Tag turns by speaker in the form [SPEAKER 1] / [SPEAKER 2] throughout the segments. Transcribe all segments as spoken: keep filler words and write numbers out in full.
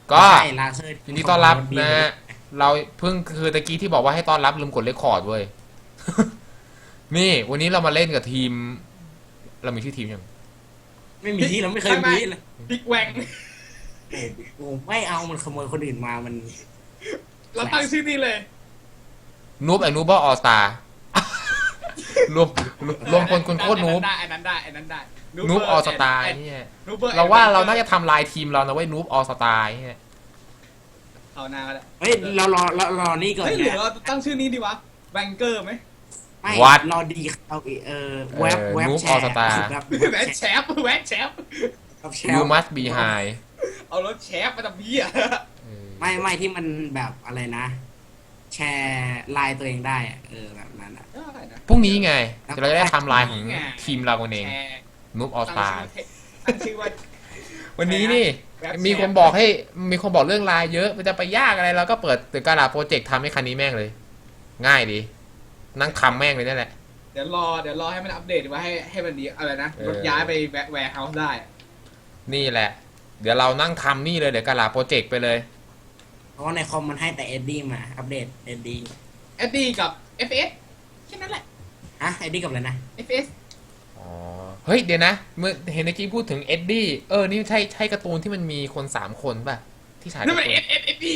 [SPEAKER 1] ก็
[SPEAKER 2] ใช่ลาเซอร์
[SPEAKER 1] ยินดีต้อนรับนะฮะเราเพิ่งคือตะกี้ที่บอกว่าให้ต้อนรับลืมกดเรคคอร์ดเว้ย นี่วันนี้เรามาเล่นกับทีม เรามีชื่อทีมยัง
[SPEAKER 2] ไม่มีเราไม่เคย
[SPEAKER 3] ไม่
[SPEAKER 2] มี
[SPEAKER 3] ไม่
[SPEAKER 2] เลย
[SPEAKER 3] บิ๊กแวง
[SPEAKER 2] โอ้ไม่เอามันขโมยคนอื่นมามัน
[SPEAKER 3] เราตั้งชื่อนี้เลย
[SPEAKER 1] นูบไอ้นูบออสตา รวมรวมคนคนโคตรนูบ
[SPEAKER 3] ได้อันนั้นได้อันนั้นได้
[SPEAKER 1] นูบออสตาเนี่ย
[SPEAKER 3] นูบอร์
[SPEAKER 1] เราว่าเราน่าจะทำลายทีมเรานะเว้ยนูบออสตาเนี่ย
[SPEAKER 3] เอาหน้าก็ได้
[SPEAKER 2] เฮ้ยเรารอเรารอนี่ก่อน
[SPEAKER 3] เฮ้ยหรือ
[SPEAKER 2] นะ
[SPEAKER 3] เราตั้งชื่อนี้ดีวะแวงเกอร์ไหม
[SPEAKER 2] ไม่รอดีเอาเออเว็บเว็บแชร์แบบ
[SPEAKER 3] แวะแชฟแวะแชฟ
[SPEAKER 2] แช
[SPEAKER 1] ยู
[SPEAKER 2] ร์
[SPEAKER 1] มัสบีไฮ
[SPEAKER 3] เอารถแชฟมาทำเบี้ย
[SPEAKER 2] ไม่ไม่ที่มันแบบอะไรนะ แชร์ไลน์ตัวเองได้อะเออแบบนั้นอ่ะ
[SPEAKER 3] ได้นะ
[SPEAKER 1] พรุ่งนี้ไงเราจะได้ทำลายของทีมเรากันเอง
[SPEAKER 3] แชร์
[SPEAKER 1] นูบออสตา
[SPEAKER 3] ตั้งชื่อว่า
[SPEAKER 1] วันนี้นี่
[SPEAKER 3] แว็บแชร์
[SPEAKER 1] มีคนบอกให้มีคนบอกเรื่องไลน์เยอะมันจะไปยากอะไรเราก็เปิดตึกกาลาโปรเจกต์ทำให้คันนี้แม่งเลย ง่ายดีนั่งทำแม่งเลยนั่นแหละ
[SPEAKER 3] เดี๋ยวรอเดี๋ยวรอให้มันอัปเดตดีว่าให้ให้มันดีอะไรนะ
[SPEAKER 1] เออ
[SPEAKER 3] รถย้ายไปแวะแวร์เฮาส์ได้
[SPEAKER 1] นี่แหละ เดี๋ยวเรานั่งทำนี่เลยเดี๋ยวกาลาโปรเจกต์ไปเลย
[SPEAKER 2] เพราะว่าในคอมมันให้แต่เอ็ดดี้มาอัปเดตเอ็ดดี้
[SPEAKER 3] เอสดีกับ เอฟ เอส แค่นั้นแหละ
[SPEAKER 2] ฮะเอ็ดดี้กับอะไรนะ
[SPEAKER 3] เอฟ เอส
[SPEAKER 1] อ๋อเฮ้ยเดี๋ยวนะเมื่อเห็นเมื่อกี้พูดถึงเอ็ดดี้เออนี่ใช่ใช่การ์ตูนที่มันมีคนสามคนป่ะที่ฉาย
[SPEAKER 3] นั่นมัน
[SPEAKER 1] การ์
[SPEAKER 3] เอ
[SPEAKER 1] ตู
[SPEAKER 3] สเอสเอสดี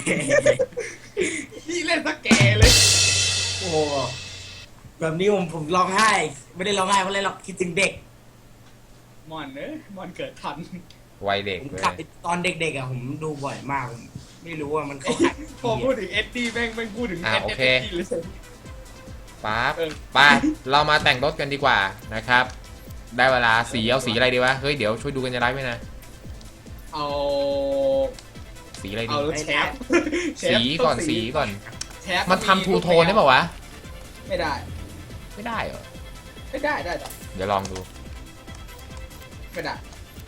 [SPEAKER 3] พี่เล่นสแกเลย
[SPEAKER 2] โอ้แบบนี้ผมผมร้องไห้ ไม่ได้ร้องไห้เพราะอะไรหรอกคิดถึงเด็ก
[SPEAKER 3] มอนเนอะมอนเกิดทัน
[SPEAKER 1] วัยเด็ก
[SPEAKER 2] ผม
[SPEAKER 1] เลย
[SPEAKER 2] กลับไปตอนเด็กๆอ่ะผมดูบ่อยมากผมไม่รู้ว่ามันเข้าข่าย
[SPEAKER 3] พอพูดถึงเอสดีแม่งแม่งพูดถึง
[SPEAKER 1] อ่า
[SPEAKER 3] เอส
[SPEAKER 1] โอ
[SPEAKER 3] เอ
[SPEAKER 1] เค
[SPEAKER 3] สดีเลย
[SPEAKER 1] ปั๊บ
[SPEAKER 3] เออ
[SPEAKER 1] ไปเรามาแต่งรถกันดีกว่านะครับ ได้เวลาสีเอาสีอะไรดีวะเฮ้ยเดี๋ยวช่วยดูกันจะได้ไหมนะ
[SPEAKER 3] เอา
[SPEAKER 1] สีอะไรดี
[SPEAKER 3] เอารถแชฟแชฟ
[SPEAKER 1] สีก่อน
[SPEAKER 3] ต้ง
[SPEAKER 1] สีก่อน
[SPEAKER 3] แชฟ
[SPEAKER 1] มันทำทูโทนได้ป่าวะ
[SPEAKER 3] ไม่ได้
[SPEAKER 1] ไม่ได้เหรอ
[SPEAKER 3] ไม่ได้ได้ต่อ
[SPEAKER 1] เดี๋ยวลองดู
[SPEAKER 3] ไม่ได้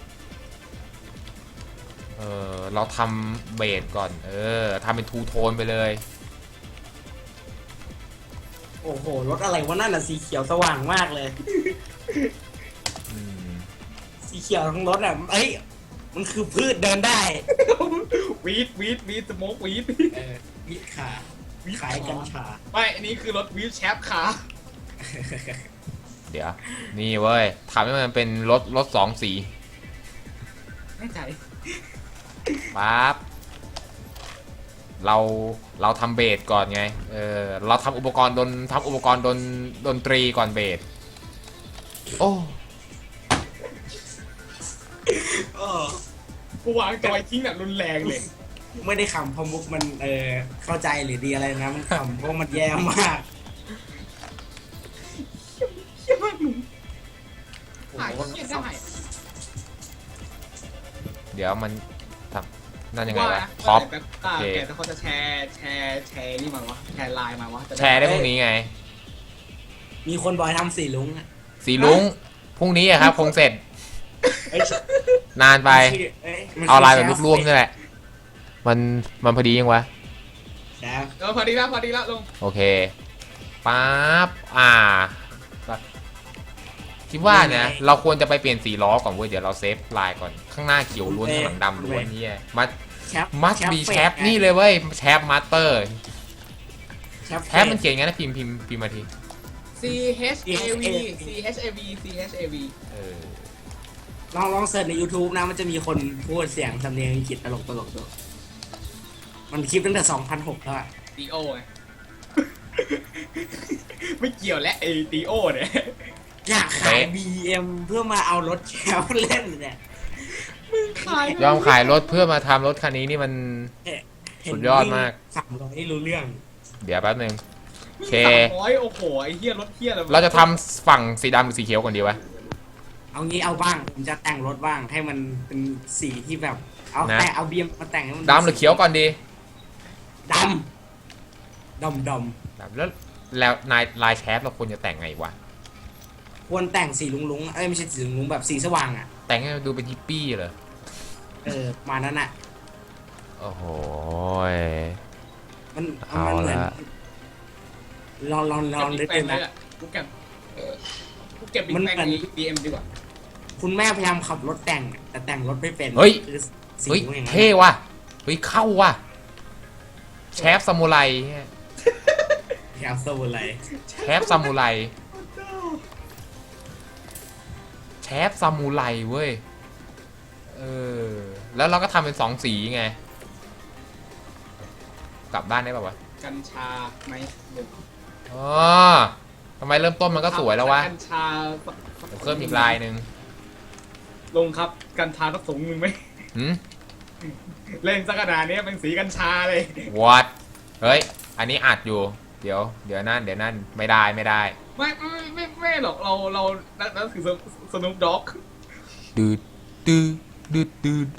[SPEAKER 1] เออเราทำเบสก่อน เออทำเป็นทูโทนไปเลย
[SPEAKER 2] โอ้โหรถอะไรวะนั่นน่ะสีเขียวสว่างมากเลย
[SPEAKER 1] อืม
[SPEAKER 2] สีเขียวทั้งรถอ่ะเอ้ยมันคือพืชเดินได้
[SPEAKER 3] วีดวีดวีดสโมกวีด
[SPEAKER 2] เออวิทขาขายกัญชา
[SPEAKER 3] ไม่อันนี้คือรถวีดแชฟขา
[SPEAKER 1] เดี๋ยว นี่เว้ยทำให้มันเป็นรถรถสองสี
[SPEAKER 3] แน่ใจ
[SPEAKER 1] ปั๊บเราเราทำเบสก่อนไง เออเราทำอุปกรณ์ดนทำอุปกรณ์ดนดนตรีก่อนเบสโอ้
[SPEAKER 2] เออ
[SPEAKER 3] กูวางจอยทิ้งแบบรุนแรงเลย
[SPEAKER 2] ไม่ได้ขำเพราะมุกมันเออเข้าใจหรือดีอะไรนะมันขำเพราะมันแย่มาก
[SPEAKER 3] เชี่ยมากหนุ่มหายเชี่ยได้
[SPEAKER 1] เดี๋ยวมันทำนั่นยังไงวะ
[SPEAKER 3] ว่า
[SPEAKER 1] ท็อป
[SPEAKER 3] แบบอ่า
[SPEAKER 1] โอเค
[SPEAKER 3] แกแต่เขาจะแชร์แชร์แชร์นี่มาวะแชร์ไลน์มาวะจะ
[SPEAKER 1] แชร์ได้พรุ่งนี้ไง
[SPEAKER 2] มีคนบอยทำสีลุงอะ
[SPEAKER 1] สีลุงพรุ่งนี้อะครับคงเสร็จ
[SPEAKER 2] เอ้ย
[SPEAKER 1] นานไป
[SPEAKER 2] เอ้ยมัน
[SPEAKER 1] เอาลายแบบลูกร่วมนี่แหละ มันมันพอดียังวะ
[SPEAKER 2] แชร์
[SPEAKER 3] เออพอดีแล้วพอดีแล้วลง
[SPEAKER 1] โอเคปั๊บอ่าคิดว่าเนี่ยเราควรจะไปเปลี่ยนสีล้อก่อนเว้ยเดี๋ยวเราเซฟลายก่อนข้างหน้าเขียวล้วนข้างหลังดำล้วนเนี่ยมัด
[SPEAKER 2] แชป
[SPEAKER 1] มัดบีแชปนี่เลยเว้ยแชปมาสเตอร์
[SPEAKER 2] แชป
[SPEAKER 1] แชปมันเขียนงั้นนะพิมพ์พิมพ์พิมพ์มาที
[SPEAKER 3] C H A V C H A V C H A V
[SPEAKER 1] เออ
[SPEAKER 2] ลองลองเสิร์ชใน YouTube นะมันจะมีคนพูดเสียงสำเนียงอังกฤษตลกตลกดูมันคลิปตั้งแต่สองพันหกแล้วอะ
[SPEAKER 3] D O ไง ไม่เกี่ยวและไอ้ D O เนี่ย
[SPEAKER 2] อยากขาย บี เอ็ม เพื่อมาเอารถแชมป์เล่นเนี่ย
[SPEAKER 3] ขาย
[SPEAKER 1] ยอมขายรถเพื่อมาทำรถคันนี้นี่มัน สุดยอดมาก
[SPEAKER 2] สามร้อยรู้เรื่อง
[SPEAKER 1] เดี๋ยวแป๊บนึง โอเค
[SPEAKER 3] สามร้อยโอ้โหไอ้เหี้ยรถเหี้ยอะไร
[SPEAKER 1] เราจะทำฝั่งสีดำหรือสีเขียวก่อนดีวะ
[SPEAKER 2] เอางี้เอาบ้างผมจะแต่งรถบ้างให้มันเป็นสีที่แบบ เอา
[SPEAKER 1] นะ
[SPEAKER 2] แต่เอาบี เอ็ม มาแต่งให้มัน
[SPEAKER 1] ดำหรือเขียวก่อนดี
[SPEAKER 2] ดำดำด
[SPEAKER 1] ดำแล้วแล้วนายลายแชปเราควรจะแต่งไงวะ
[SPEAKER 2] ำควรแต่งสีลุงลุงๆเอ้ยไม่ใช่สีลุงลุงๆแบบสีสว่างอ่ะ
[SPEAKER 1] แต่งให้มันดูเป็นฮิปปี้เหรอ
[SPEAKER 2] เออมานั้นอ่ะ
[SPEAKER 1] โอ้โหย
[SPEAKER 2] มัน
[SPEAKER 1] เอา
[SPEAKER 2] มันเหมือน
[SPEAKER 1] ละ
[SPEAKER 2] ลองลองลองนึก
[SPEAKER 3] เก็
[SPEAKER 2] ดู
[SPEAKER 3] บ
[SPEAKER 2] นะ
[SPEAKER 3] นะกูเก็บเออกูเก็บบิ๊ก
[SPEAKER 2] มัน
[SPEAKER 3] แบง
[SPEAKER 2] เหมือน
[SPEAKER 3] นี้ B M ดีกว่า
[SPEAKER 2] คุณแม่พยายามขับรถแต่งอะแต่แต่งรถไม่เป็น
[SPEAKER 1] เฮ้ย
[SPEAKER 2] คือสี
[SPEAKER 1] เฮ้ย
[SPEAKER 2] อย่างนั้น
[SPEAKER 1] เท่ว่ะเฮ้ยเข้าว่ะแชฟซามูไร
[SPEAKER 2] แคปซูลอะไร
[SPEAKER 1] แชฟซามูไรแชฟซามูไรเว้ยเออแล้วเราก็ทำเป็นสองสีไงกลับบ้านได้ป่าวะ
[SPEAKER 3] กัญชาไหมหนึ่ง
[SPEAKER 1] อ๋อทำไมเริ่มต้นมันก็สวยแล้ววะ
[SPEAKER 3] กัญชา
[SPEAKER 1] เดี๋ยวเพิ่มอีกลายหนึ่ง
[SPEAKER 3] ลงครับกัญชาสักสูงหนึ่งไหม
[SPEAKER 1] หืม
[SPEAKER 3] เล่นสักขนาดนี้เป็นสีกัญชาเลย
[SPEAKER 1] what เฮ้ยอันนี้อัดอยู่เดี๋ยวเดี๋ยวนั่นเดี๋ยวนั่นไม่ได้ไม่ได้
[SPEAKER 3] ไม่ไม่ไม่ไม่หรอกเราเรานั่นคือสนุปด็อก
[SPEAKER 1] ดืดดืดดืดดืด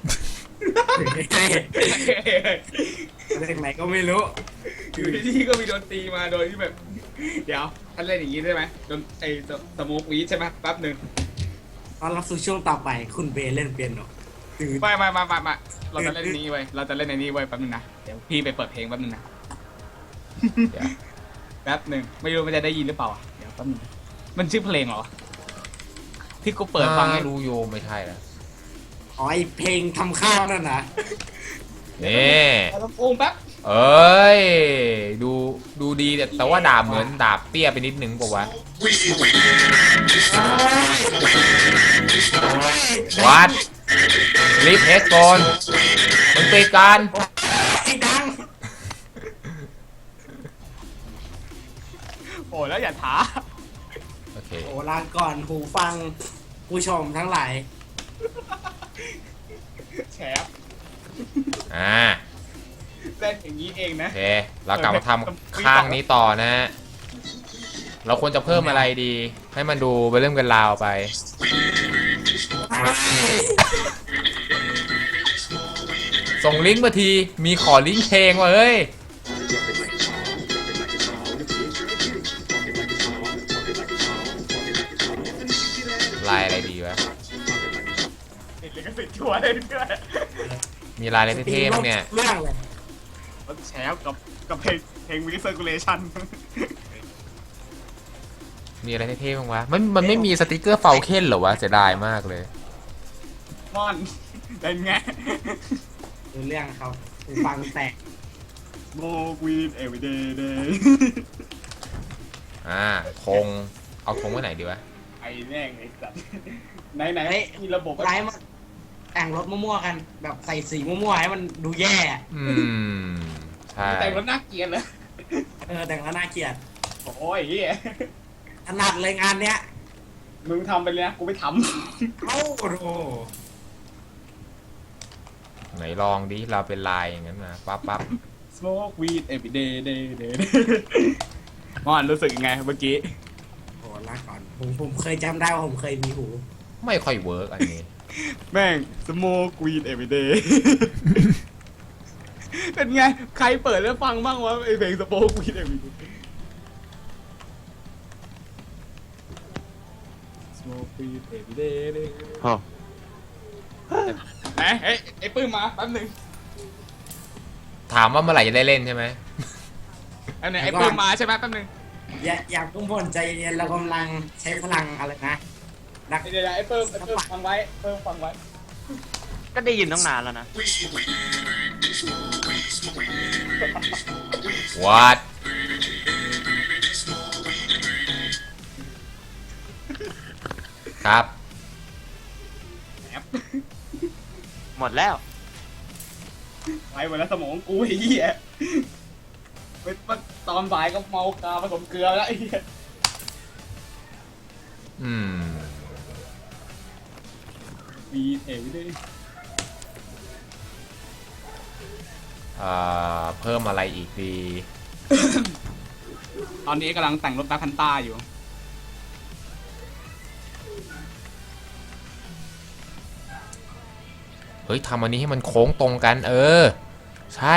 [SPEAKER 2] เรื่องไหนก็ไม่รู้
[SPEAKER 3] อยู่ที่ก็มีดนตรีมาโดยที่แบบ เดี๋ยวท่านเล่นอย่างนี้ได้ไหมดนไอสโมกวีดใช่ไหมแป๊บหนึ่ง
[SPEAKER 2] ตอนรับสู่ช่วงต่อไปคุณเบย์เล่นเปียโนตื่น
[SPEAKER 3] ไม่ไม่ไม่ไม่ไม่เราจะเล่นอันนี้ไว้ยเราจะเล่นอันนี้ไว้ยแป๊บหนึงนะเดี๋ยวพี่ไปเปิดเพลงแป๊บหนึงนะ
[SPEAKER 1] เดี๋ยว
[SPEAKER 3] แป๊บหนึ่งไม่รู้มันจะได้ยินหรือเปล่าอ่ะเดี๋ยวแป๊บหนึงมันชื่อเพลงเหรอที่กูเปิดฟังให้
[SPEAKER 1] รู้โยไม่ใช่แล้ว
[SPEAKER 2] อ๋อไอเพลงทำข้าวนั่นนะ
[SPEAKER 1] นี่
[SPEAKER 3] เอาลำโพงแป๊บ
[SPEAKER 1] เอ้ยดูดูดีแต่แต่ว่าดาบเหมือนดาบเตี้ยไปนิดนึงป่าวะวัดรีบเฮดโกนมันติดกัน
[SPEAKER 2] ไอ้ดัง
[SPEAKER 3] โอ้แล้วอย่าท้า
[SPEAKER 1] โอเค
[SPEAKER 2] โอ้ลาก่อนหูฟังผู้ชมทั้งหลาย
[SPEAKER 3] แฉบ
[SPEAKER 1] อ่า
[SPEAKER 3] เล่นอย่างนี้เองนะ
[SPEAKER 1] โอเคเรากลับมาทำข้างนี้ต่อนะฮะเราควรจะเพิ่มอะไรดี ให้มันดูไปเรื่องกันราวไป ส่งลิงก์มาทีมีขอลิงก์เพลงว่ะเฮ้ยลายอะไรดีวะ
[SPEAKER 3] ติดลิขสิทธิ์ชัวร์เลยด้วย
[SPEAKER 1] มีลายอะไรเท่ๆมั้งเนี่ย
[SPEAKER 2] เรื่องเลย
[SPEAKER 3] แฉบกับกับเพลงเพลงวิเซอร์คูลเลชั่น
[SPEAKER 1] มีอะไรเท่ๆบ้างวะ มันมันไม่มีสติกเกอร์เฟลเคนเหรอวะเสียดายมากเลย
[SPEAKER 3] มอนเป็นไง
[SPEAKER 2] ดูเรื่องครับหูฟังแตก
[SPEAKER 3] โมกวีนเอวีเดย์เดย์
[SPEAKER 1] อ่าธงเอาธงไว้ไหนดีวะ
[SPEAKER 3] ไอ้แม่งไอ้สัตว์ไหนไหนมีระบบ
[SPEAKER 2] ไลฟ์มาแต่งรถมั่วๆกันแบบใส่สีมั่วๆให้มันดูแย่
[SPEAKER 1] อืม ใช่
[SPEAKER 3] แต่งรถน่าเกลียดเลย
[SPEAKER 2] เออแต่งแล้วน่าเกลียด
[SPEAKER 3] โอ้ยเฮีย
[SPEAKER 2] ถนัดเลยงานเนี้ย
[SPEAKER 3] มึงทำไปเลยนะกูไม่ท
[SPEAKER 2] เอ้าโอ้โห
[SPEAKER 1] ไหนลองดิ เราเป็นลายอย่างนั้นนะปั๊บปั๊บ
[SPEAKER 3] ำ smoke weed every day day day มอนรู้สึกยังไงเมื่อกี้
[SPEAKER 2] โอ้ลาก่อนผมผมเคยจำได้ว่าผมเคยมีหู
[SPEAKER 1] ไม่ค่อยเวิร์กอันนี้
[SPEAKER 3] แม่ง smoke weed every day เป็นไง ใครเปิดแล้วฟังบ้างวะไอเพลง smoke weed every day smoke weed every day day ไหนไอ้ไอ้ปื้มมาแป๊บหนึง
[SPEAKER 1] ถามว่าเมื่อไหร่จะได้เล่นใช่ไหม
[SPEAKER 3] แป๊บหนึงไอ้ปื้มมาใช่ไหมแป๊บหนึง
[SPEAKER 2] อย่าอย่าพุ่งพ่นใจเย็นเรากำลังใช้พลังอะไรนะดัก
[SPEAKER 3] เดี๋ยวๆไอ้ปื้มไอ้ปื้มฟังไว้ปื้มฟังไว้
[SPEAKER 4] ก็ได้ยินตั้งนานแล้วนะ
[SPEAKER 1] วัดครับ
[SPEAKER 4] หมดแล้ว
[SPEAKER 3] ไปหมดแล้วสมองกูไอ้เหี้ยไปตอนบ่ายก็เมากาผสมเกลือแล้วไอ้เหี้ย
[SPEAKER 1] อืม
[SPEAKER 3] มีเอวิด้วย
[SPEAKER 1] เอ่อ เพิ่มอะไรอีกดี
[SPEAKER 3] ตอนนี้กำลังแต่งรถแบ็คพันต้าอยู่
[SPEAKER 1] เฮ้ยทำอันนี้ให้มันโค้งตรงกัน เออ ใช่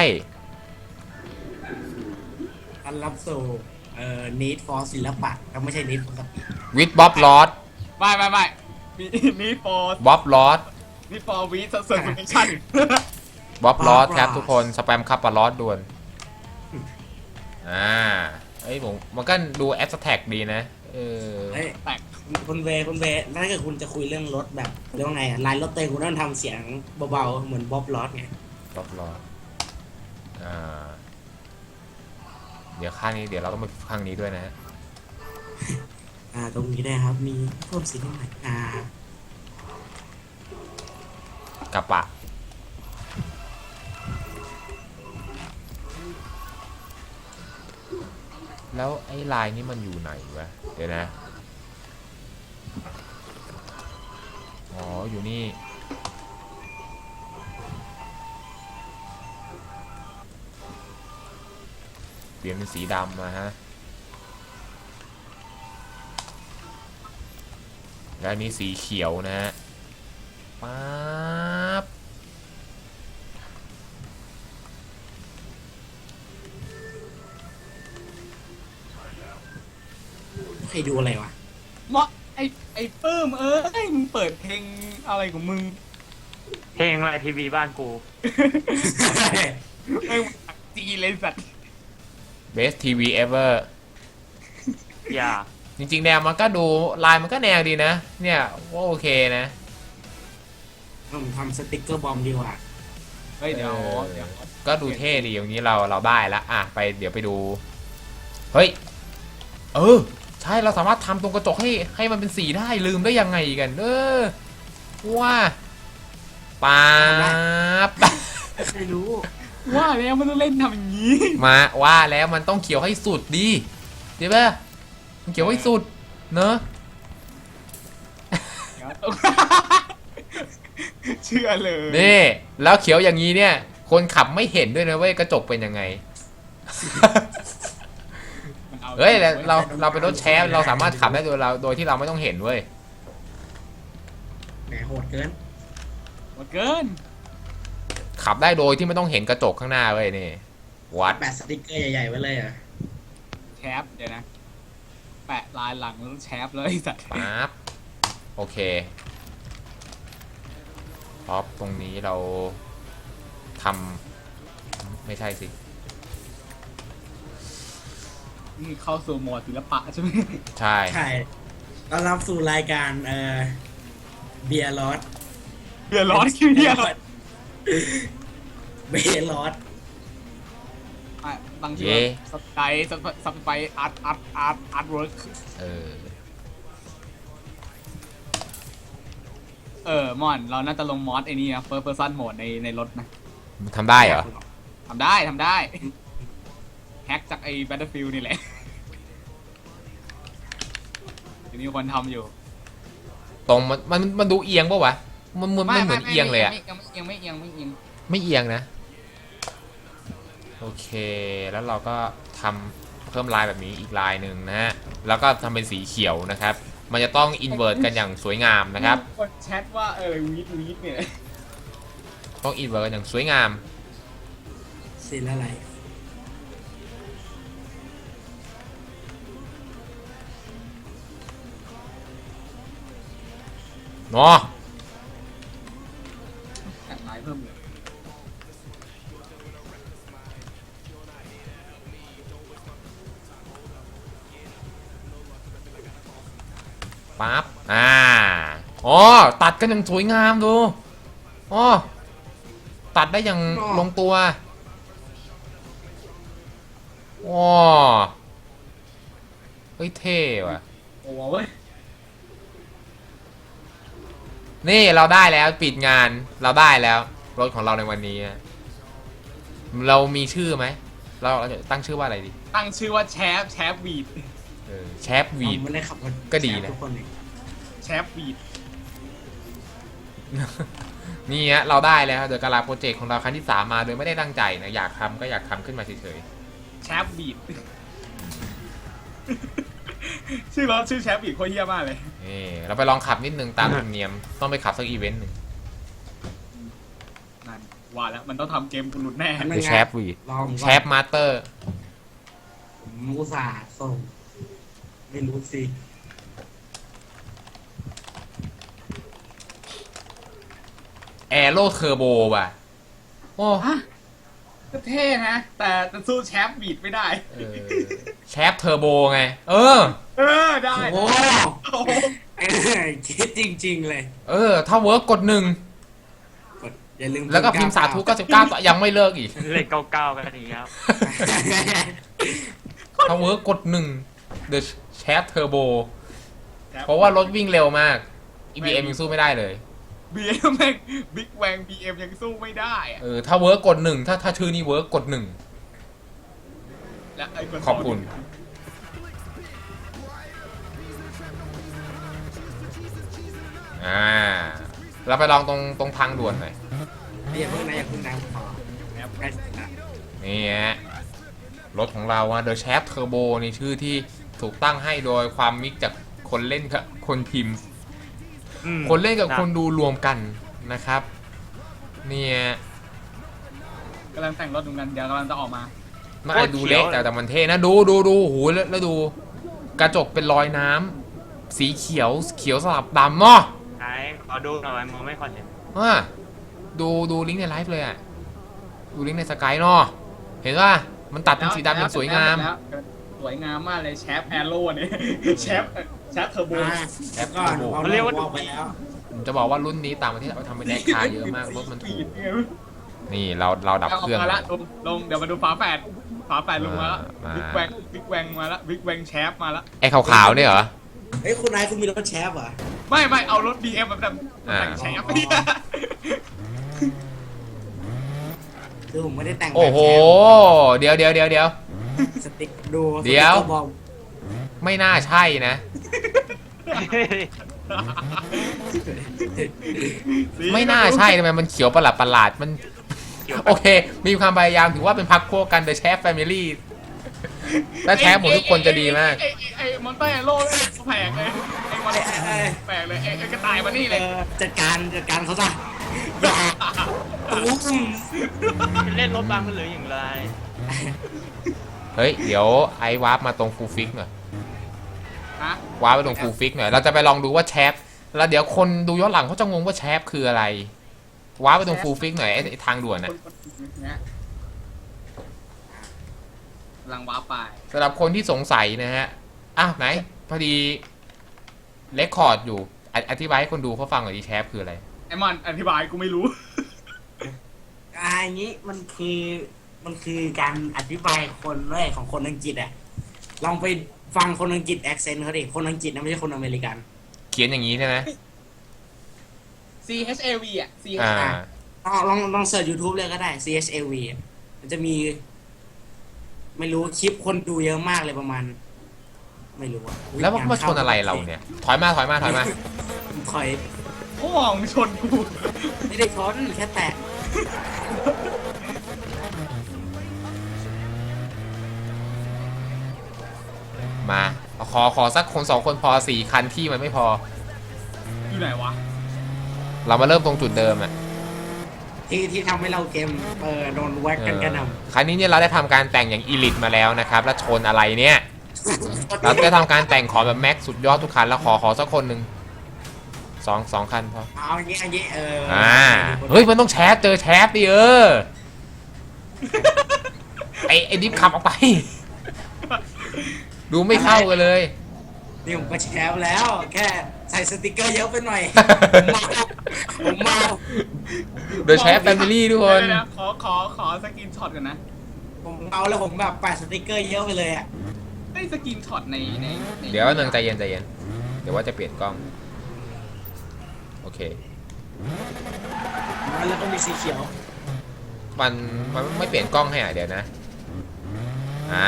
[SPEAKER 2] ต้อนรับสู่เอ่อ need for ศิลปะก็ไม่ใช่ need for สปีด
[SPEAKER 1] วิดบ๊อบลอด
[SPEAKER 3] ไม่ไม่ไม่มีนี่ for
[SPEAKER 1] บ๊อบลอด
[SPEAKER 3] นี่ for weed certification
[SPEAKER 1] บ๊อบลอดครับทุกคน สแปมคับปะลอดด่วน อ่าเอ้ยผมมันก็ดูแอสแท็กดีนะ เออ
[SPEAKER 2] เฮ้ย
[SPEAKER 3] แตก
[SPEAKER 2] คุณเวคุณเวถ้าเกิดคุณจะคุยเรื่องรถแบบเรียกว่าไงอะลายรถเต็มคุณต้องทำเสียงเบาๆเหมือนบ๊อบลอสไง
[SPEAKER 1] บ๊อบลอดอ่าเดี๋ยวข้างนี้เดี๋ยวเราต้องไปข้างนี้ด้วยนะฮะ
[SPEAKER 2] อ่าตรงนี้ได้ครับมีเพิ่มสีนิดหน่อยอ่า
[SPEAKER 1] กระปะแล้วไอ้ลายนี้มันอยู่ไหนวะเดี๋ยวนะอ๋ออยู่นี่เปลี่ยนเป็นสีดำนะฮะแล้วอันนี้สีเขียวนะฮะป๊าบ
[SPEAKER 2] ใครดูอะไรวะ
[SPEAKER 3] เมาะไอไอปื้มเอ้ยมึงเปิดเพลงอะไรของมึง
[SPEAKER 4] เพลงอะไรทีวีบ้านกู
[SPEAKER 3] ไม่งจีเลยสัตว์
[SPEAKER 1] Best ที วี ever
[SPEAKER 4] อย่า
[SPEAKER 1] จริงๆแนวมันก็ดูลายมันก็แนวดีนะ เนี่ยว่าโอเคนะ
[SPEAKER 2] ผมทำสติกเกอร์บอมดีกว่า
[SPEAKER 3] เฮ้ยเดี๋ยว
[SPEAKER 1] เออ
[SPEAKER 3] เดี๋ยว
[SPEAKER 1] ก็ดูเท่ดีอย่างนี้เราเราได้ละอ่ะไปเดี๋ยวไปดู เฮ้ย เออ ใช่เราสามารถทำตรงกระจกให้ให้มันเป็นสีได้ลืมได้ยังไงกัน เออว่าป๊าบ
[SPEAKER 2] ใครรู้
[SPEAKER 3] ว่าแล้วมันต้องเล่นทำอย่างนี้
[SPEAKER 1] มาว่าแล้วมันต้องเขียวให้สุดดีใช่ปะมันเขียวให้สุดเนอะ
[SPEAKER 3] เชื่อเลย
[SPEAKER 1] นี่แล้วเขียวอย่างนี้เนี่ย คนขับไม่เห็นด้วยนะเว้ยกระจกเป็นยังไง
[SPEAKER 3] มันอา
[SPEAKER 1] เฮ้ยเราเราเราเป็นรถแชร์เราสามารถขับได้โดยเราโดยที่เราไม่ต้องเห็นเว้ย
[SPEAKER 2] แหมโหดเกิน
[SPEAKER 3] หมดเกิน
[SPEAKER 1] ขับได้โดยที่ไม่ต้องเห็นกระจกข้างหน้าเว้ยนี่วัด
[SPEAKER 2] แปะสติกเกอร์ใหญ่ๆไว้เลยเหรอ่ะ
[SPEAKER 3] แชปเดี๋ยวนะ แปะลายหลังแล้วแชปเลยไอ้สัตว์
[SPEAKER 1] ปั๊บโอเคป๊อปตรงนี้เราทำไม่ใช่สิ
[SPEAKER 3] นี่เข้าสู่โหมดศิลปะใช่ไหม
[SPEAKER 1] ใช่
[SPEAKER 2] ใช่ต้อนรับสู่รายการเอ่อเบียร์ลอส
[SPEAKER 3] เดือดร้อนคือเหี้ยอะไร
[SPEAKER 2] เบียร์ลอส
[SPEAKER 3] อ่ะตั้งชื่อว่าสไปซ์สไปซ์อาร์ตอาร์ตอาร์ตอาร์ตเวิร์ก
[SPEAKER 1] เออ
[SPEAKER 3] เออมอนเราน่าจะลงมอสไอ้นี่นะเฟิร์สเพอร์ซันโหมดในในรถนะ
[SPEAKER 1] ทำได้เหรอ
[SPEAKER 3] ทำได้ทำได้แฮกจากไอ้ Battlefield นี่แหละจะมีคนทำอยู่
[SPEAKER 1] ตรงมันมันมันดูเอียงปะวะมันมันไม่เหมือนเอียงเลยอะ
[SPEAKER 3] ยังไม่เอียงไม่เอียงไม่เอียง
[SPEAKER 1] ไม่เอียงนะโอเคแล้วเราก็ทำเพิ่มลายแบบนี้อีกลายหนึ่งนะฮะแล้วก็ทำเป็นสีเขียวนะครับ มันจะต้องอินเวอร์ตกันอย่างสวยงามนะครับ
[SPEAKER 3] คนแชทว่าเออวีดวีดเนี่ย
[SPEAKER 1] ต้องอินเวอร์ตกันอย่างสวยงาม
[SPEAKER 2] สิละไร
[SPEAKER 1] เนาะ
[SPEAKER 3] แต่งลายเพิ่มเลย
[SPEAKER 1] ปั๊บอ่าอ๋อตัดกันอย่างสวยงามดูอ๋อตัดได้อย่างลงตัวว้าเฮ้ยเท่ว่ะ
[SPEAKER 3] โอ้โหเว้ย
[SPEAKER 1] นี่เราได้แล้วปิดงานเราได้แล้วรถของเราในวันนี้นะเรามีชื่อไหมเราเราจะตั้งชื่อว่าอะไรดี
[SPEAKER 3] ตั้งชื่อว่าแชฟแชฟวีด
[SPEAKER 1] เออแชปวีด
[SPEAKER 2] ไม่ได้ขับรถ
[SPEAKER 1] ก็ดีนะ
[SPEAKER 2] ทุกคนเลย
[SPEAKER 3] แชฟวีด
[SPEAKER 1] นี่ฮะเราได้แล้วเดอะกาลาโปรเจกต์ของเราครั้งที่สามมาโดยไม่ได้ตั้งใจนะอยากทำก็อยากทำขึ้นมาเฉย
[SPEAKER 3] แชฟวีดชื่อรถชื่อแชฟวีดโคตรเหี้ยมากเลย
[SPEAKER 1] ๆนี่เราไปลองขับนิดนึงตามธรรมเนียมต้องไปขับสักอีเวนต์หนึ่ง
[SPEAKER 3] นั่นว่าแล้วมันต้องทำเกมกูหลุดแน่
[SPEAKER 2] อันนั้น
[SPEAKER 1] คือ
[SPEAKER 2] ไง
[SPEAKER 1] แชปวีด
[SPEAKER 2] ลอง
[SPEAKER 1] แชปมาสเตอร์
[SPEAKER 2] ผมอุตส่าห์ส่ง ไม่รู้สิ
[SPEAKER 1] แอโร่เทอร์โบว่ะโอ้
[SPEAKER 3] ฮะก็เท่นะ แต่จะสู้แชฟวีดไม่ได้
[SPEAKER 1] เออแชปเทอร์โบไง เออ
[SPEAKER 3] เออได้
[SPEAKER 2] โอ้
[SPEAKER 3] โอ้โห
[SPEAKER 2] เอ้ยคิดจริง ๆ เลย
[SPEAKER 1] เออ ถ้าเวิร์กกดหนึ่ง
[SPEAKER 2] กดอย่าลืม
[SPEAKER 1] แล้วก็พิมพ์สาธุเก้าสิบเก้าต่อยังไม่เลิกอีก
[SPEAKER 4] เลขเก้าเก้ากันอีกครับ
[SPEAKER 1] ถ้าเวิร์กกดหนึ่ง The Chat Turbo เพราะว่ารถวิ่งเร็วมาก อี บี เอ็ม ยังสู้ไม่ได้เลย
[SPEAKER 3] บีเอ็มแม่งบิ๊กแวงบีเอ็มยังสู้ไม่ได้อะ
[SPEAKER 1] เออถ้าเวิร์กกดหนึ่งถ้าถ้าชื่อนี้เวิร์กกดหนึ่ง
[SPEAKER 3] และไอ้คน
[SPEAKER 1] ขอบคุณ อ่า เราไปลองตรงตรงทางด่วนหน่อย
[SPEAKER 2] อย่าเพิ่งนะอย่าเพิ่งนะขอใกล้ถึงละ
[SPEAKER 1] นี่ฮะรถของเราอะ The Chat Turbo นี่ชื่อที่ถูกตั้งให้โดยความมิกจากคนเล่นกับคนพิมพ์
[SPEAKER 4] อืม
[SPEAKER 1] คนเล่นกับคนดูรวมกันนะครับ เนี่ย
[SPEAKER 3] กำลังแต่งรถดูกันเดี๋ยวกำลังจะออกมา
[SPEAKER 1] มันอาจดูเล็กแต่แต่มันเท่นะดูดูดูโหแล้วแล้วดู กระจกเป็นรอยน้ำสีเขียวเขียวสลับดำเนาะ
[SPEAKER 4] ไหนขอดูหน่อยมองไม่ค่อยเห็น
[SPEAKER 1] อ่ะดูดูลิงก์ในไลฟ์เลยอ่ะ ดูลิงก์ในสกายเนาะเห็นป่ะมันตัดเป็นสีดำอย่างสวยงาม
[SPEAKER 3] แล้วสวยงามมากเลยแชฟแอโร่เนี่ยแชฟแชฟเทอร์โบ
[SPEAKER 2] อ่าแล้วก็เอาเรียกว่าไปแล้ว
[SPEAKER 1] ผมจะบอกว่ารุ่นนี้ต่างประเทศเอาไปทำเป็นแอคคาร์เยอะมากรถมันถู
[SPEAKER 3] ปี
[SPEAKER 1] ก
[SPEAKER 3] ดไง
[SPEAKER 1] นี่เราเราดับเครื่อง
[SPEAKER 3] ามาละลงลงเดี๋ยวมาดูฝาแฝดฝาแฝดลงมาละ
[SPEAKER 1] มา
[SPEAKER 3] บิ๊กแวงบิ๊กแวงมาละบิ๊กแวงแชฟมาละ
[SPEAKER 1] ไอ้ขาวๆเนี่ยเหรอ
[SPEAKER 2] เฮ้ยคุณนายคุณมีรถแชฟเหรอ
[SPEAKER 3] ไม่ไม่เอารถ บี เอ็ม แบบแบบ
[SPEAKER 1] อ่า
[SPEAKER 3] แต่งแชฟ
[SPEAKER 2] อ๋อ คือผมไม่ได้แต่งแบบ
[SPEAKER 1] โอ้โห
[SPEAKER 2] แช
[SPEAKER 1] เดี๋ยวเดี๋ยวเดี๋ยวเดี๋ยว
[SPEAKER 2] ฟสติ๊กดู
[SPEAKER 1] เดี๋ยว
[SPEAKER 2] สติ๊กกอร์บอก
[SPEAKER 1] ไม่น่าใช่นะ ไม่น่าใช่ทำไมมันเขียวประหลาดประหลาดมัน โอเค มีความพยายามถือว่าเป็นพักพวกกัน The Chef Family ถ้าแชฟหมดทุกคนจะดีมาก
[SPEAKER 3] ไอ้ไอ้ไอ้มอนเตอร์แอโร่เนี่ยแปลกเลยไอ้มอนเตอร์แปลกเลยไอ้ไอ้กระต่ายมานี่
[SPEAKER 2] เอ
[SPEAKER 3] เลย
[SPEAKER 2] อจัดการจัดการเขาซะอย่าตุ้ม
[SPEAKER 4] เล่นรถบังกันหรืออย่างไร
[SPEAKER 1] เฮ้ย เดี๋ยวไอ้วาร์ปมาตรงฟูลฟิกหน่อย
[SPEAKER 3] ฮะ
[SPEAKER 1] วาร์ปไปตรงฟูลฟิกหน่อย เราจะไปลองดูว่าแชฟแล้วเดี๋ยวคนดูย้อนหลังเขาจะงงว่าแชฟคืออะไร วาร์ปไปตรงฟูลฟิกหน่อยไอ้ไอ้ทางด่วนน่ะ
[SPEAKER 3] เนี่ยกำลังว้าไป
[SPEAKER 1] สำหรับคนที่สงสัยนะฮะ อ้าวไหน พอดีเลคคอร์ดอยู่ออธิบายให้คนดูเขาฟังหน่อยดิแชฟคืออะไร
[SPEAKER 3] ไอ้มอนอธิบายกูไม่รู้
[SPEAKER 2] อ่าอย่างนี้มันคือมันคือการอธิบายคนเลยของคนอังกฤษอ่ะลองไปฟังคนอังกฤษแอคเซนต์เขาดิคนอังกฤษนะไม่ใช่คนอเมริกัน
[SPEAKER 1] เขียนอย่างนี้ใช่ไหม
[SPEAKER 3] C H A V อ่ะ C
[SPEAKER 1] อ่า
[SPEAKER 2] ลองลองลองเสิร์ช YouTube เลยก็ได้ C H A V อ่ะมันจะมี ไม่รู้คลิปคนดูเยอะมากเลยประมาณ ไม่รู้อะอุ๊ย
[SPEAKER 1] แล้วมันมาชนอะไรเราเนี่ย ถอยมาถอยมาถอยมา
[SPEAKER 2] ถอย
[SPEAKER 3] พ่อมึงชนกู
[SPEAKER 2] ไม่ได้ชนแค่แตะ
[SPEAKER 1] มาขอขอสักคนสองคนพอสี่คันที่มันไม่พอ
[SPEAKER 3] อยู่ไหนวะ
[SPEAKER 1] เรามาเริ่มตรงจุดเดิมอ่ะ
[SPEAKER 2] ที่ที่ทำให้เราเกมเออโดนแว็กกันกระหน่
[SPEAKER 1] ครั้งนี้เนี่ยเราได้ทำการแต่งอย่างอีลิทมาแล้วนะครับ แล้วชนอะไรเนี่ย
[SPEAKER 2] ำ
[SPEAKER 1] เราได้ทำการแต่งขอแบบแม็กสุดยอดทุกคันแล้วขอขอสักคนหนึ่งสองสองคันพอ
[SPEAKER 2] เอาอย่างงี้อย่างงี้เออ
[SPEAKER 1] อ่าเฮ้ยมันต้องแชฟเจอแชฟดิเออไอไอดิฟขับออกไป ดูไม่เข้ากันเลย
[SPEAKER 2] นี่ผมก็แชร์แล้ว แค่ใส่สติกเกอร์เยอะไปหน่อย ผมเมาผมเมา
[SPEAKER 1] เดอะแชฟแฟมิลี่ทุกคน
[SPEAKER 3] เดี๋ยวๆขอขอขอสกินช็อตกันนะ
[SPEAKER 2] ผมเมาแล้วผมแบบแปะสติกเกอร์เยอะไปเลยอ่ะ
[SPEAKER 3] ได้สกินช็อตในในใน
[SPEAKER 1] เดี๋ยวหนึ่งใจเย็นใจเย็นเดี๋ยวว่าจะเปลี่ยนกล้อง โอเค
[SPEAKER 2] แล้วก็มีสีเขียว
[SPEAKER 1] มันมันไม่เปลี่ยนกล้องให้อ่ะเดี๋ยวนะ อ่า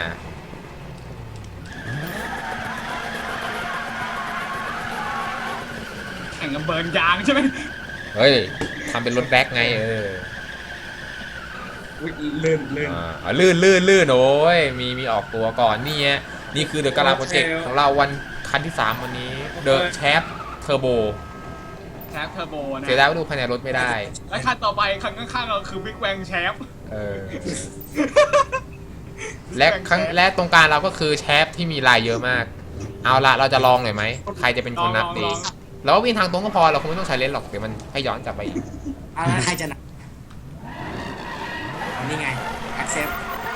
[SPEAKER 3] แข่งกันเบิร์นยางใช่ไหม
[SPEAKER 1] เฮ้ยทำเป็นรถแบ็คไงเออ
[SPEAKER 2] อุ้ยลื่นลื่น
[SPEAKER 1] อ่าอ่าลื่นลื่นลื่นโอ้ยมีมีออกตัวก่อนนี่ฮะนี่คือเดอะกาลาโปรเจกต์ของเราวันคันที่สามวันนี้เดอะแชฟเทอร์โบ
[SPEAKER 3] แชฟเทอร์โบนะ
[SPEAKER 1] เสียดายว่าดูภายในรถไม่ได้
[SPEAKER 3] และคันต่อไปคันข้างๆเราคือบิ๊กแวงแชฟ
[SPEAKER 1] เออ และครั้งและตรงกลางเราก็คือแชฟที่มีลายเยอะมาก เอาละเราจะลองหน่อยไหมใครจะเป็นคนนับดีเราว่าวิ่งทางตรงก็พอเราคงไม่ต้องใช้เลนส์หรอกเดี๋ยวมันให้ย้อนกลับไปอีก
[SPEAKER 2] เอาแล้วใครจะหนักอันนี้ไง accept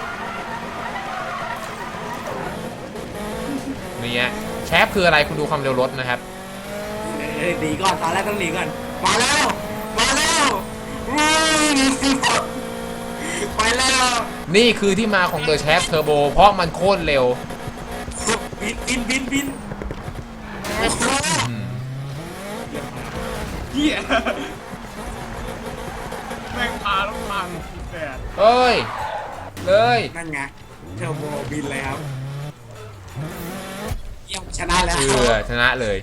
[SPEAKER 1] นี่ฮะแชฟคืออะไรคุณดูความเร็วรถนะครับ
[SPEAKER 2] เออหนีก่อนตอนแรกต้องหนีก่อนมาแล้ว มาแล้ว มไปแล้ว
[SPEAKER 1] นี่คือที่มาของ The Shaft Turbo เพราะมันโคตรเร็ว
[SPEAKER 2] บินบินบินบิน
[SPEAKER 1] อืม
[SPEAKER 3] เหี้ยแม่งพาลูกพังแต่
[SPEAKER 1] เอ้ย เลย
[SPEAKER 2] นั่นไงเทอร์โบบินเลยครับเยี่ยมชนะแล้ว
[SPEAKER 1] เชื่อชนะเลย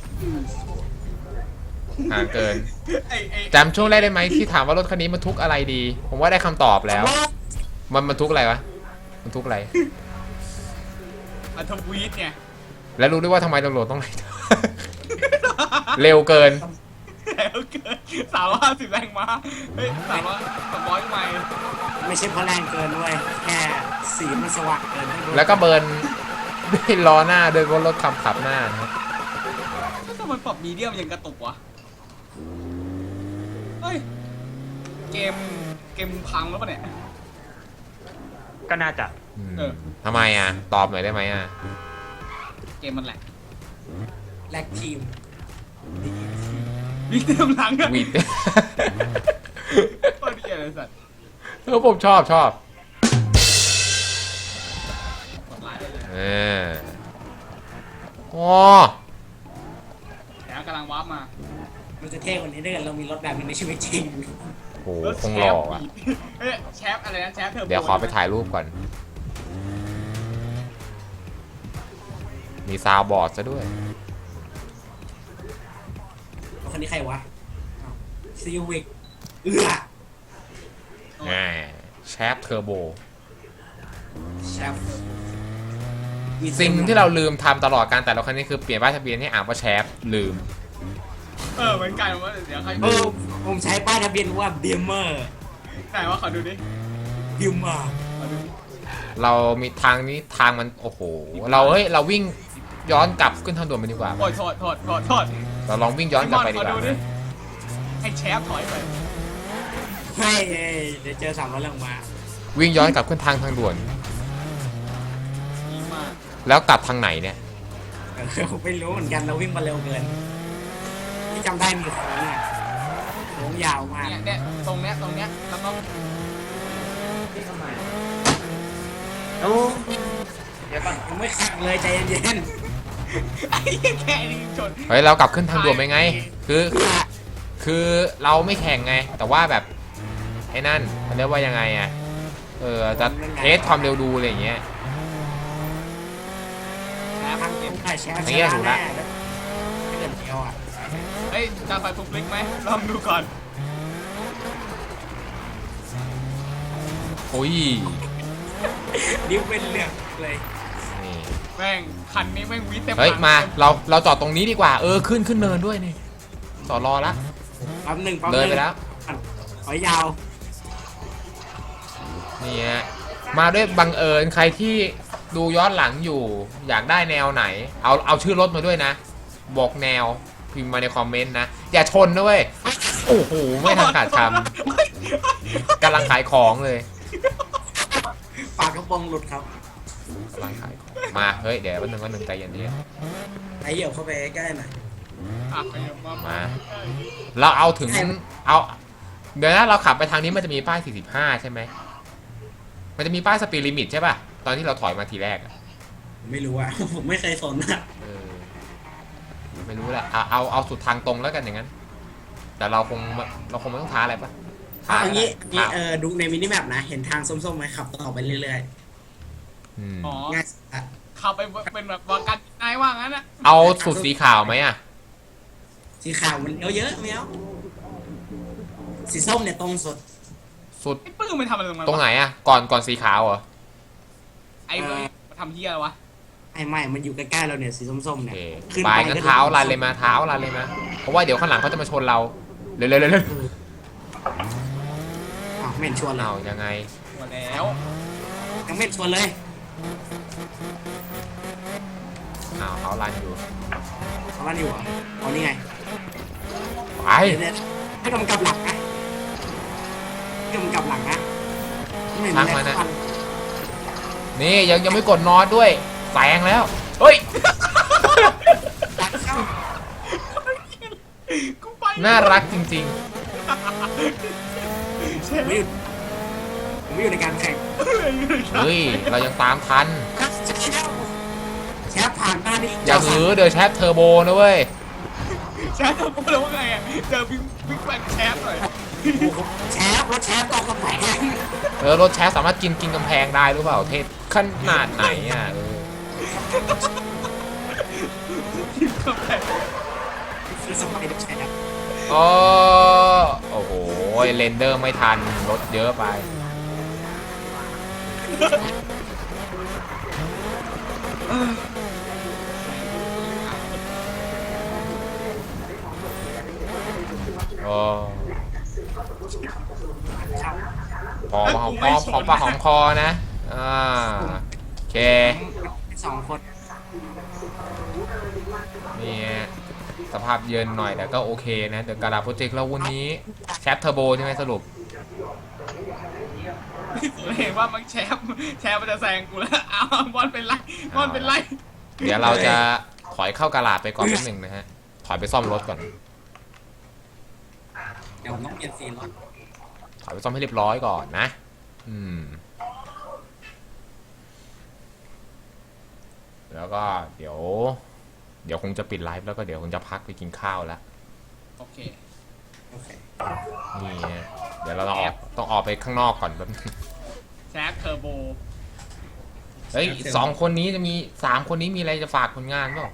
[SPEAKER 1] ห่างเกิน
[SPEAKER 3] ไอ้ไอ้
[SPEAKER 1] จำช่วงแรกได้ไหมที่ถามว่ารถคันนี้มันทุกอะไรดี ผมว่าได้คำตอบแล้ว มันมันทุกอะไรวะ มันทุกอะไร
[SPEAKER 3] อัธวีตเนี่ย
[SPEAKER 1] แล้วรู้ด้วยว่าทำไมตำรวจต้องไล่ เร็วเกิน
[SPEAKER 3] แล้วเกินสามร้อยห้าสิบแรงม้าเฮ้ยสามร้อยสามร้อยไมล์
[SPEAKER 2] ไม่ใช่เพราะแรงเกินด้วยแค่สีมันสว่างเกิน
[SPEAKER 1] แล้วก็เบิร์นด้วยล้อหน้าด้วยรถขับขับหน้านะครับ
[SPEAKER 3] ถ้ามันปรับมีเดียมยังกระตุกวะเฮ้ยเกมเกมพังแล้วปะเนี่ย
[SPEAKER 4] ก็น่าจะ
[SPEAKER 1] อืม
[SPEAKER 3] เออ
[SPEAKER 1] ทำไมอ่ะ ตอบหน่อยได้ไหมอ่ะ
[SPEAKER 3] เกมมันแหลก
[SPEAKER 2] แลกทีม
[SPEAKER 3] วิ่งเต็มหลังอะ
[SPEAKER 1] วีด
[SPEAKER 3] โคตรเหี้ยเลยสัตว์
[SPEAKER 1] เออผมชอบชอบ
[SPEAKER 3] กดไลค์ได้เลย
[SPEAKER 1] เอออ๋อ
[SPEAKER 3] แล้วกำลังวาร์ปมา
[SPEAKER 2] มันจะเท่กว่านี้ถ้าเกิดเรามีรถแบบนี้ในชีวิตจริง
[SPEAKER 1] โหคงหล่ออ่ะ
[SPEAKER 3] เฮ้ยแชปอะไรนะแชปเธอ
[SPEAKER 1] เดี๋ยวขอไปถ่ายรูปก่อน มีซาวด์บอร์ดซะด้วย
[SPEAKER 2] คนนี้ใครวะซีวิกเอือ
[SPEAKER 1] แหมแชฟเทอร์โบ
[SPEAKER 2] แชฟ
[SPEAKER 1] สิ่งที่เราลืมทำตลอดการแต่ละครั้งนี้คือเปลี่ยนป้ายทะเบียนให้อ่านว่าแชฟลืม
[SPEAKER 3] เออเหมือนกันว่าเดี๋ยวใคร
[SPEAKER 2] เออผมใช้ป้ายทะเบียนว่าบิมเมอร์
[SPEAKER 3] ไหนว่าขอดูดิ
[SPEAKER 2] บิมเมอร์
[SPEAKER 3] ขอดู
[SPEAKER 1] เรามีทางนี้ทางมันโอ้โห เราเฮ้ยเราวิ่งย้อนกลับขึ้นทางด่วนไปดีกว่า
[SPEAKER 3] โอ้ยโทษโทษโทษโทษ
[SPEAKER 1] เราลองวิ่งย้อนกลับไปดี
[SPEAKER 3] ขอก
[SPEAKER 1] ว่า
[SPEAKER 3] ดูดิให้แชปถอยไป
[SPEAKER 2] ให้เดี๋ยวเจอสามร้อยลงมา
[SPEAKER 1] วิ่งย้อนกลับขึ้นทางทางด่วน
[SPEAKER 3] ดีมาก
[SPEAKER 1] แล้วกลับทางไหนเนี่ย
[SPEAKER 2] เออผมไม่รู้เหมือนกันเราวิ่งมาเร็วเกินที่จำได้มีโค้งอ่ะโค้งยาวมาก
[SPEAKER 3] เนี่ยเนี่ยตรงเนี้ยตรงเนี้ยแล้วก็
[SPEAKER 4] โอ้เดี๋ยวก่อน
[SPEAKER 2] ยังไม่แข่งเลยใจเย็น
[SPEAKER 3] ไอ้เหี้ยแค่นี้ชน
[SPEAKER 1] เฮ้ยเรากลับขึ้นทางด่วนไปไง คือ คือเราไม่แข่งไง แต่ว่าแบบไอ้นั่นมันเรียกว่ายังไงอ่ะ เออจะเทสความเร็วดูอะไรอย่างเงี้ย
[SPEAKER 3] แชป
[SPEAKER 2] ๆทาง
[SPEAKER 3] เก็บ
[SPEAKER 2] ผมถ่ายแชร์
[SPEAKER 1] อย่างเงี้ยถูกละ
[SPEAKER 2] ถ้าเกิดเดียวอ่ะ
[SPEAKER 3] เฮ้ยจะไปฟุกลิกไหมลองดูก่อน
[SPEAKER 1] โอ้ย
[SPEAKER 2] ดิ้วเป็นเรื่องเลย
[SPEAKER 1] นี่
[SPEAKER 3] แม่งคันนี้แม่งวิทเต็ม
[SPEAKER 1] เฮ้ย
[SPEAKER 3] หลัง
[SPEAKER 1] มาเราเราจอดตรงนี้ดีกว่า เออขึ้นขึ้นเนินด้วยนี่จอดรอละ
[SPEAKER 2] ปั๊มหนึ่งปั๊มห
[SPEAKER 1] เลย
[SPEAKER 2] นึ่ง
[SPEAKER 1] ไปแล้ว
[SPEAKER 2] ขอยาว
[SPEAKER 1] นี่ฮะมาด้วยบังเอิญใครที่ดูย้อนหลังอยู่ อยากได้แนวไหน เอาเอาชื่อรถมาด้วยนะ บอกแนวพิมพ์มาในคอมเมนต์นะ อย่าชนด้วยโอ้โห ไม่ทันขาดคำกำลังขายของเลย
[SPEAKER 2] ปากกระโปรงหลุดครับ
[SPEAKER 1] กำลังขายของมา เฮ้ย เดี๋ยววันหนึ่งวันหนึ่งใจเย็น
[SPEAKER 2] ไอเหยียบเข้าไปใกล้ๆหน่อย
[SPEAKER 3] อ่ะขยับมา
[SPEAKER 1] ๆมา เราเอาถึงเอา เดี๋ยวนะเราขับไปทางนี้มันจะมีป้ายสี่สิบห้าใช่ไหมมันจะมีป้ายสปีดลิมิตใช่ป่ะตอนที่เราถอยมาทีแรกอะ
[SPEAKER 2] ผมไม่รู้อ่ะ ผมไม่เคยสนอ่ะ
[SPEAKER 1] เออไม่รู้แหละเอาเอาเอาสุดทางตรงแล้วกันอย่างนั้น แต่เราคงเราคงไม่ต้องท้าอะไรปะ
[SPEAKER 2] เอาอย่างนี้อย่างนี้
[SPEAKER 1] ท้า
[SPEAKER 2] เออดูในมินิแมปนะ เห็นทางส้มๆไหมขับต่อไปเรื่อย
[SPEAKER 1] อืม
[SPEAKER 3] อ๋อ
[SPEAKER 2] ๆง่ายสุดอะ
[SPEAKER 3] ขับไปเป็นแบบวากันนายว่างั้นอะ
[SPEAKER 1] เอาสุดสีขาวไหมอ่ะ
[SPEAKER 2] สีขาวมันเยอะเยอะๆไม่เอาสีส้มเนี่ยตรงสุด
[SPEAKER 1] สุด
[SPEAKER 3] ไอ้ปื้มมันทำอะไรตรงนั้น
[SPEAKER 1] ตรง
[SPEAKER 3] วะ
[SPEAKER 1] ไหนอ่ะ ก่อนก่อนสีขาวเหรอ
[SPEAKER 3] ไอ้เว้ยมาทำเฮียอะไรวะ
[SPEAKER 2] ไอ้ไม่ มันอยู่ใกล้ๆเราเนี่ยสีส้มๆ
[SPEAKER 1] โอ
[SPEAKER 2] เนี่ย
[SPEAKER 1] เค
[SPEAKER 2] ขึ้น
[SPEAKER 1] ไป
[SPEAKER 2] ไป
[SPEAKER 1] งั้น
[SPEAKER 2] ก็
[SPEAKER 1] เท้า
[SPEAKER 2] ดู
[SPEAKER 1] ลันเลยมาเท้าลันเลยมาเพราะว่าเดี๋ยวข้างหลังเขาจะมาชนเราเร็วเร็วเร็วเร็ว
[SPEAKER 2] อ้าวไม่เห็นชวนเลย
[SPEAKER 1] เอายังไง
[SPEAKER 3] มาแล้ว
[SPEAKER 2] ยังไม่เห็นชวนเลย
[SPEAKER 1] อ้าวเขาลันอยู่
[SPEAKER 2] เอามันอยู่เหรอเอานี่ไง
[SPEAKER 1] ไป
[SPEAKER 2] เดี๋ยวๆให้กำกับหลังนะให้กำกับหลังนะไม่เห็นอะไรสักวัน
[SPEAKER 1] นี่ยังยังไม่กดนอนด้วยแซงแล้วเฮ้ย
[SPEAKER 2] หลังเข้า
[SPEAKER 3] กูไป
[SPEAKER 1] น่ารักจริง
[SPEAKER 2] ช
[SPEAKER 3] แช
[SPEAKER 2] ผม
[SPEAKER 3] มป์
[SPEAKER 2] ไม่อยู่ผมไม่อยู่ในการแข่ง
[SPEAKER 1] เฮ้ย เรายังตามทัน
[SPEAKER 2] แชมป์ผ่านมาดิ
[SPEAKER 1] อย่าหือเดี๋ยวแชปเทอร์โบนะเว้ย
[SPEAKER 3] แชมป์กูเลยว่าไงอ่ะเจอบิ๊กบิ๊กแบงแชมป์หน่อย
[SPEAKER 2] แชมป์รถแชมป์ตกกำแพง
[SPEAKER 1] เออรถแชปสามารถกินกินกำแพงได้หรือเปล่าเทศขนาดไหนอ่ะเออ
[SPEAKER 2] คือสมัยเด็กแชมป์
[SPEAKER 1] อ๋อโอ้โหเรนเดอร์ไม่ทันรถเยอะไปโอ้พอมาหอมคอหอมปากหอมคอนะอ่าโอเค
[SPEAKER 2] สองคน
[SPEAKER 1] นี่ฮะสภาพเยินหน่อยแต่ก็โอเคนะเดอะการาโปรเจกต์เราวันนี้แชปเทอร์โบใช่ไหมสรุป
[SPEAKER 3] ผมเห็นว่ามันแชมป์แชมป์มันจะแซงกูแล้วเอาบอลเป็นไรบอลเป็นไร
[SPEAKER 1] เดี๋ยวเราจะถอยเข้ากาลาดไปก่อนนิดหนึ่งนะฮะ ถอยไปซ่อมรถก่อน
[SPEAKER 2] เดี๋ยวผมต้องเปลี่ยนสีรถ
[SPEAKER 1] ถอยไปซ่อมให้เรียบร้อยก่อนนะ อืม แล้วก็เดี๋ยว เดี๋ยวคงจะปิดไลฟ์แล้วก็เดี๋ยวคงจะพักไปกินข้าวแล้ว
[SPEAKER 3] โอเค
[SPEAKER 2] โอเค
[SPEAKER 1] นี่ฮะเดี๋ยวเราต้องออกต้องออกไปข้างนอกก่อนแป๊บนึง
[SPEAKER 3] แชมป์เทอร์โบ
[SPEAKER 1] เฮ้ยสองคนนี้จะมีสามคนนี้มีอะไรจะฝากผลงานเปล่า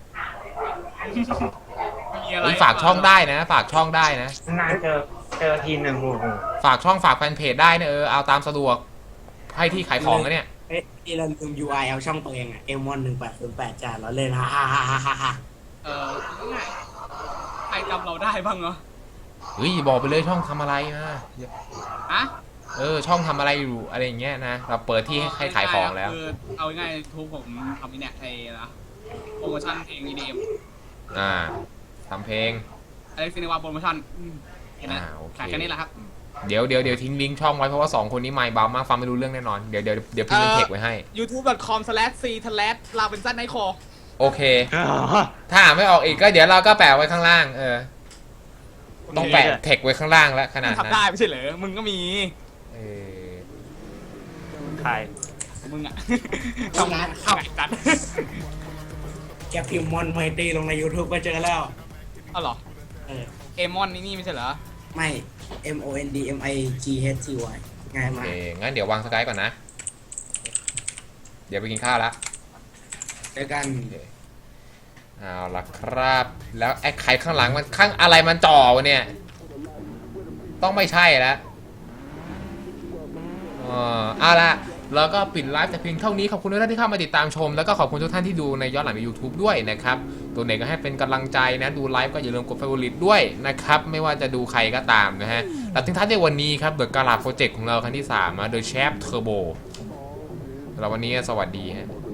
[SPEAKER 3] มีอะไร
[SPEAKER 1] เฮ้ยฝากช่องได้นะ ฝากช่องได้นะ
[SPEAKER 4] นานเจอเจอทีหนึ่งโอ้โห
[SPEAKER 1] ฝากช่องฝากแฟนเพจได้นะเออเอาตามสะดวกให้ที่ขายของนะเนี่ย
[SPEAKER 2] เอ๊ะที่เราลืม ยู ไอ เอาช่องตัวเองอะ เอ็ม วัน หนึ่งแปดศูนย์แปดจ้าเราเล่นฮ่าฮ่าฮ่าฮ่าฮ่าฮ่า
[SPEAKER 3] เออง่ายใครจำเราได้บ้างเหรอ
[SPEAKER 1] เฮ้ยบอกไปเลยช่องทำอะไรนะ
[SPEAKER 3] อะ
[SPEAKER 1] เออช่องทำอะไรอยู่อะไรอย่างเงี้ยนะเราเปิดที่ให้ให้ขายของแล้ว
[SPEAKER 3] คือเอาง่ายๆทุกผมทำนี่เนี่ยไอ้นะโปรโมชั่นเพลง อี ดี เอ็ม
[SPEAKER 1] อ่าทำเพลง
[SPEAKER 3] อเล็กซินวาโปรโมชั่นอืมเห็นไหม
[SPEAKER 1] อ่าโอเค
[SPEAKER 3] ขายแค่นี้แหละครับ
[SPEAKER 1] เดี๋ยวเดี๋ยวเดี๋ยวทิ้งลิงก์ช่องไว้เพราะว่าสองคนนี้ไม่เบามากฟังไม่รู้เรื่องแน่นอนเดี๋ยวเดี๋ยวเดี๋ยวพิมพ์เป็นเทคไว้ให้
[SPEAKER 3] ยูทูบ ดอท คอม สแลช ซี สแลช ลาเวนซันไนโค
[SPEAKER 1] โอเค ถ้าอ่านไม่ออกอีกก็เดี๋ยวเราก็แปะไว้ข้างล่าง เออ ต้องแปะเทคไว้ข้างล่างแล้วขนาด
[SPEAKER 3] ทำ
[SPEAKER 1] นั้น
[SPEAKER 3] ได้ไม่ใช่เหรอ มึงก็มี
[SPEAKER 1] เออ
[SPEAKER 4] ใคร
[SPEAKER 3] มึงอ่ะ
[SPEAKER 2] ทำงานเข้า
[SPEAKER 3] กัน
[SPEAKER 2] แกพิมพ์มอนไมตีลงใน YouTube ก็เจอแล้ว
[SPEAKER 3] เอาเหรอ
[SPEAKER 2] เออ
[SPEAKER 3] เอมอนนี่นี่ไม่ใช่เหรอ
[SPEAKER 2] ไม่ M O N D M I G H T Y ง่าย
[SPEAKER 1] โอ
[SPEAKER 2] มา
[SPEAKER 1] เค
[SPEAKER 2] ก
[SPEAKER 1] งั้นเดี๋ยววางสกายก่อนนะ เดี๋ยวไปกินข้าวละ
[SPEAKER 2] เจอกัน
[SPEAKER 1] เอาละครับ แล้วไอ้ไข่ข้างหลังมันข้างอะไรมันจ่อวะเนี่ย ต้องไม่ใช่แล้วอ๋อเอาละแล้วก็ปิดไลฟ์แต่เพียงเท่านี้ขอบคุณทุกท่านที่เข้ามาติดตามชม แล้วก็ขอบคุณทุกท่านที่ดูในย้อนหลังใน YouTube ด้วยนะครับ ตัวไหนก็ให้เป็นกำลังใจนะ ดูไลฟ์ก็อย่าลืมกด Favorite ด้วยนะครับ ไม่ว่าจะดูใครก็ตามนะฮะแล้วทิ้งท้ายในวันนี้ครับเดอะการาโปรเจกต์ของเราครั้งที่สามนะโดยแชปเทอร์โบแล้ววันนี้สวัสดีฮะ